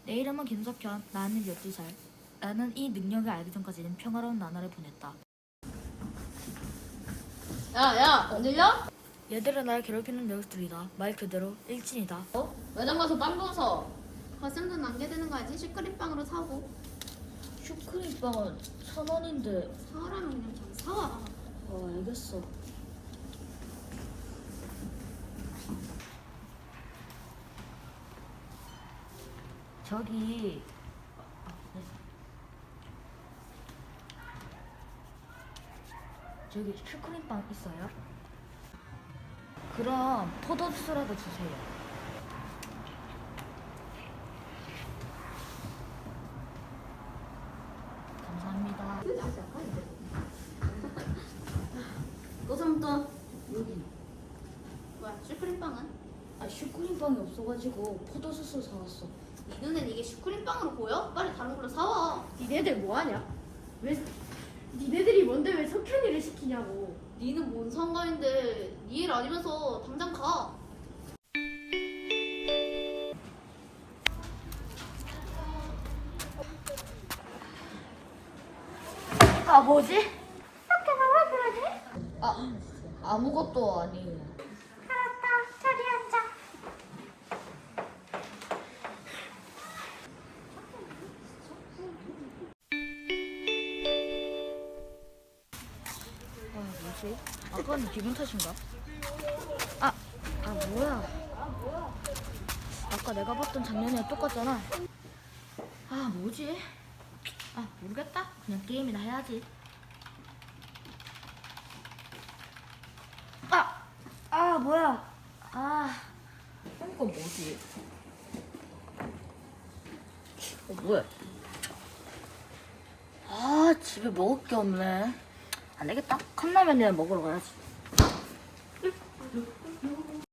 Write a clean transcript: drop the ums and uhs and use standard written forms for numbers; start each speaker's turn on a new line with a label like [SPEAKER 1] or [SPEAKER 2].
[SPEAKER 1] 내 이름은 김석현. 나는 12살. 나는 이 능력을 알기 전까지는 평화로운 나날을 보냈다.
[SPEAKER 2] 야, 안 들려?
[SPEAKER 1] 얘들은 날 괴롭히는 녀석들이다. 말 그대로 일진이다.
[SPEAKER 2] 매장 가서 빵 부서. 갓생돈 남겨두는 거 알지? 슈크림빵으로 사고.
[SPEAKER 1] 슈크림빵은 1,000원인데.
[SPEAKER 2] 사라면 그냥 저기 사와.
[SPEAKER 1] 알겠어. 저기 저기 슈크림빵 있어요? 그럼 포도주스라도 주세요. 감사합니다.
[SPEAKER 2] 고삼돈.
[SPEAKER 1] 여기
[SPEAKER 2] 뭐야, 슈크림빵은?
[SPEAKER 1] 슈크림빵이 없어가지고 포도주스 사왔어.
[SPEAKER 2] 네 눈엔 이게 슈크림빵으로 보여? 빨리 다른 걸로 사와.
[SPEAKER 3] 니네들 뭐하냐? 왜 니네들이 뭔데 왜 석현이를 시키냐고.
[SPEAKER 2] 니는 뭔 상관인데 니 일 아니면서 당장 가.
[SPEAKER 1] 뭐지? 석현아 왜 그러지? 아무것도 아니에요.
[SPEAKER 3] 알았다, 저리 앉아.
[SPEAKER 1] 뭐지? 아까는 기분 탓인가? 뭐야? 아까 내가 봤던 장면이랑 똑같잖아. 뭐지? 모르겠다. 그냥 게임이나 해야지. 뭐야? 이건 뭐지? 뭐야? 집에 먹을 게 없네. 안 되겠다. 컵라면이나 먹으러 가야지.